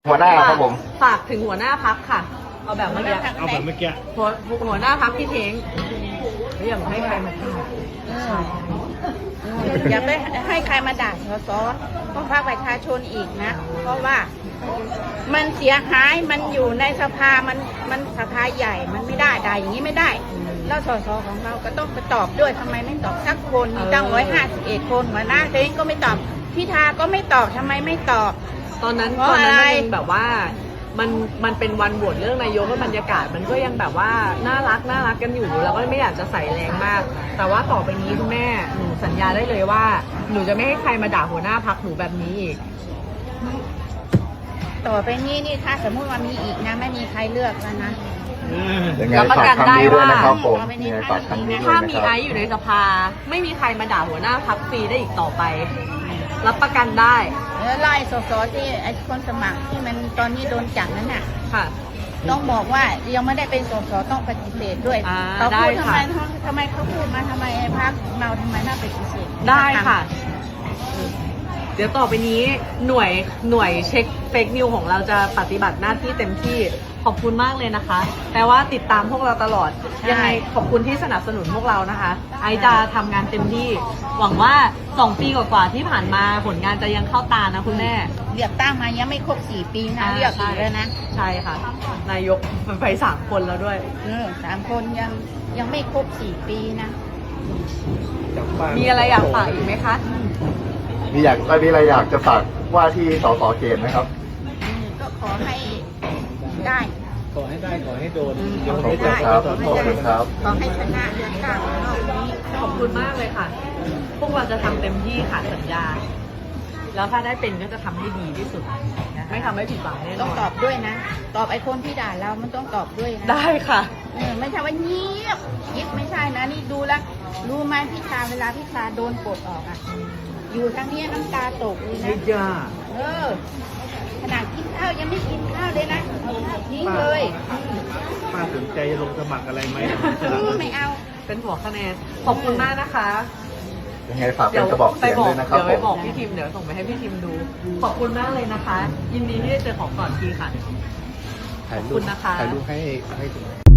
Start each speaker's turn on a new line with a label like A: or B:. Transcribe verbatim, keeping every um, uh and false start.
A: หัวหน้าครับผม
B: ฝากถึงหัวหน้าพักค่ะเอาแบบเมื่อกี้
C: เอาแบบเมื่อกี้
B: หัวหัวหน้าพักพี่เท้งไม่อยากให้ใครมาด่า
D: อย่าไปให้ใครมาด่าสสต้องภาคประชาชนอีกนะ เพราะว่ามันเสียหายมันอยู่ในสภามันมันสภาใหญ่มันไม่ได้ด่าอย่างนี้ไม่ได้แล้วสสของเราก็ต้องไปตอบด้วยทำไมไม่ตอบสักคนมีตั้งร้อยห้าสิบเอ็ดคนหัวหน้าเองก็ไม่ตอบพิธาก็ไม่ตอบทำไมไม่ตอบ
B: ตอนนั้นตอนนั้นมันแบบว่ามันมันเป็นวันโหวตเรื่องนายกแล้วบรรยากาศมันก็ยังแบบว่าน่ารักน่ารักกันอยู่แล้วก็ไม่อยากจะใส่แรงมาก แต่ว่าต่อไปนี้คุณแม่หนูสัญญาได้เลยว่าหนูจะไม่ให้ใครมาด่าหัวหน้าพักหนูแบบนี้อีก
D: ต่อไปนี้นี่ถ้าสมมติว่ามีอีกนะไม่มีใครเลือกแล้วนะ
A: ยังไงฝากคำนี้ด้วยนะครับผมยังไงฝากคำนี้ด้วย
B: ถ้า
A: นะ
B: มี
A: ครับ
B: ไอซ์อยู่ในสภาไม่มีใครมาด่าหัวหน้าพักฟรีได้อีกต่อไปรับประกันได้
D: แล้วไล่สสที่ไอ้คนสมัครที่มันตอนนี้โดนจับนั่นน่ะ
B: ค่ะ
D: ต้องบอกว่ายังไม่ได้เป็นสสต้องปฏิเสธด้วยเขาพูดทำไมทำไมเขาพูดมาทำไมไอ้พรรคเราทำไมน่าปฏิเสธ
B: ได้ค่ะเดี๋ยวต่อไปนี้หน่วยหน่วยเช็คเฟกนิวของเราจะปฏิบัติหน้าที่เต็มที่ขอบคุณมากเลยนะคะแปลว่าติดตามพวกเราตลอดยังไงขอบคุณที่สนับสนุนพวกเรานะคะไอจะทำงานเต็มที่หวังว่าสองปีกว่าๆที่ผ่านมาผลงานจะยังเข้าตานะคุณแม่
D: เลือกตั้งมายังไม่ครบสี่ปีนะเลือกอีกแล้วนะ
B: ใช่ค่ะนายกไปสามคนแล้วด้วย
D: เออสามคนยังยังไม่ครบสี่ปีนะ
B: มีอะไรอยากฝากอีกไหมคะ
A: มีอยากมีอะไรอยากจะฝากว่าที่สสเขตไหมครับ
D: ก็ขอให้ได้
C: ขอให้ได้ขอให้โดน
A: ขอบคุณครับขอบคุณครับ
D: ขอให้ชนะเลือกตั้งรอบนี้
B: ขอบคุณมากเลยค่ะพวกเราจะทำเต็มที่ค่ะสัญญาแล้วถ้าได้เป็นก็จะทำให้ดีที่สุดไม่ทำให้ผิดหวังแน่นอน
D: ต้องตอบด้วยนะตอบไอ้คนที่ด่าเรามันต้องตอบด้วยนะ
B: ได้ค่ะ
D: เออไม่ใช่ว่าเงียบยิบไม่ใช่นะนี่ดูแล้วรู้ไหมพี่ชาเวลาพี่ชาโดนปลดออกอ่ะอยู่ทางนี้น้ำตาตกเลยนะ
B: จ้า
D: เออขนาดกินข้าวยังไม่กินข้าวเลยนะทิ้งเลย
C: ป้าสนใจจะลงสมัครอะไรไหม
D: ไม่เอา
B: เป็นหัวคะแนนขอบคุณมากนะคะ
A: ยังไงฝากเป็นกระบอกเสียงด้วยนะครับ
B: เดี๋ยวไปบอกพี่ทิมเดี๋ยวส่งไปให้พี่ทิมดูขอบคุณมากเลยนะคะยินดีที่ได้เจอของก่อนทีค่ะขอบคุณนะคะ
C: ถ่ายรูปให้ให้